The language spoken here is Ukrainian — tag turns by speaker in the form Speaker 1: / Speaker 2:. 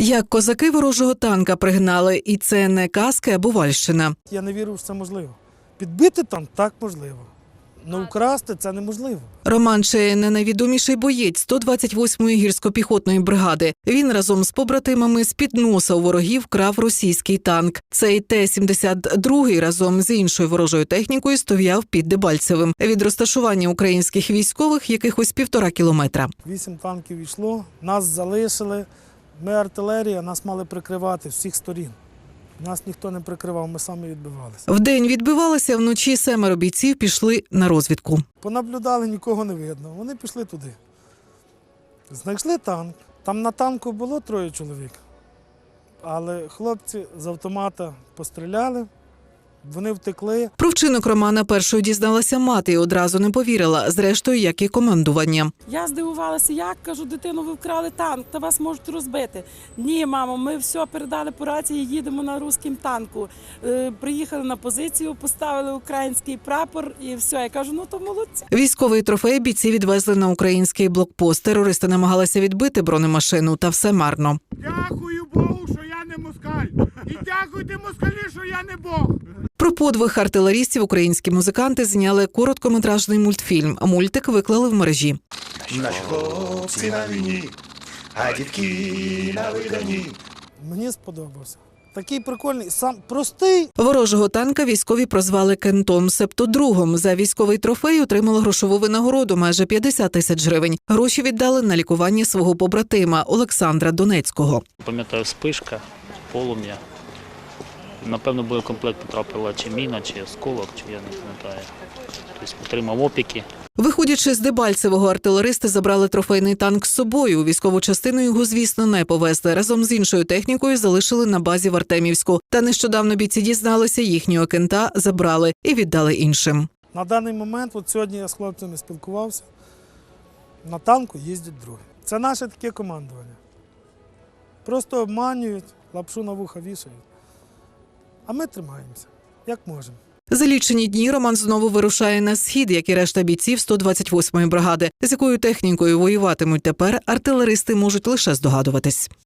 Speaker 1: Як козаки ворожого танка пригнали, і це не казки, а Бувальщина.
Speaker 2: Я не вірю, що це можливо. Підбити танк – так можливо. Но вкрасти – це неможливо.
Speaker 1: Роман Чея – не найвідоміший боєць 128-ї гірсько-піхотної бригади. Він разом з побратимами з-під носа у ворогів крав російський танк. Цей Т-72 разом з іншою ворожою технікою стояв під Дебальцевим. Від розташування українських військових якихось 1,5 кілометра.
Speaker 2: 8 танків йшло, нас залишили. Ми артилерія, нас мали прикривати з всіх сторін. Нас ніхто не прикривав, ми самі відбивалися.
Speaker 1: Вдень відбивалися, вночі 7 бійців пішли на розвідку.
Speaker 2: Понаблюдали, нікого не видно. Вони пішли туди. Знайшли танк. Там на танку було 3 чоловік. Але хлопці з автомата постріляли, вони втекли.
Speaker 1: Про вчинок Романа першою дізналася мати і одразу не повірила, зрештою, як і командування.
Speaker 3: Я здивувалася, як, кажу, дитину, ви вкрали танк, та вас можуть розбити. Ні, мамо, ми все передали по рації, їдемо на руському танку. Приїхали на позицію, поставили український прапор і все. Я кажу, ну то молодці.
Speaker 1: Військовий трофей бійці відвезли на український блокпост. Терористи намагалися відбити бронемашину, та все марно.
Speaker 4: Дякую Богу, що я не москаль. І дякуйте москалі, що я не Бог.
Speaker 1: Про подвиг артилерістів українські музиканти зняли короткометражний мультфільм. Мультик виклали в мережі.
Speaker 5: Наші хлопці на війні, а дітки на виданні.
Speaker 2: Мені сподобався. Такий прикольний, сам простий.
Speaker 1: Ворожого танка військові прозвали Кентом, себто другом. За військовий трофей отримали грошову винагороду – майже 50 тисяч гривень. Гроші віддали на лікування свого побратима Олександра Донецького.
Speaker 6: Пам'ятаю, спишка, полум'я. Напевно, боєкомплект потрапила чи міна, чи осколок, чи я не пам'ятаю. Тобто отримав опіки.
Speaker 1: Виходячи з Дебальцевого, артилеристи забрали трофейний танк з собою. У військову частину його, звісно, не повезли. Разом з іншою технікою залишили на базі в Артемівську. Та нещодавно бійці дізналися, їхнього кента забрали і віддали іншим.
Speaker 2: На даний момент, от сьогодні я з хлопцями спілкувався, на танку їздять другі. Це наше таке командування. Просто обманюють, лапшу на вуха вішають. А ми тримаємося, як можемо.
Speaker 1: За лічені дні Роман знову вирушає на схід, як і решта бійців 128-ї бригади. З якою технікою воюватимуть тепер, артилеристи можуть лише здогадуватись.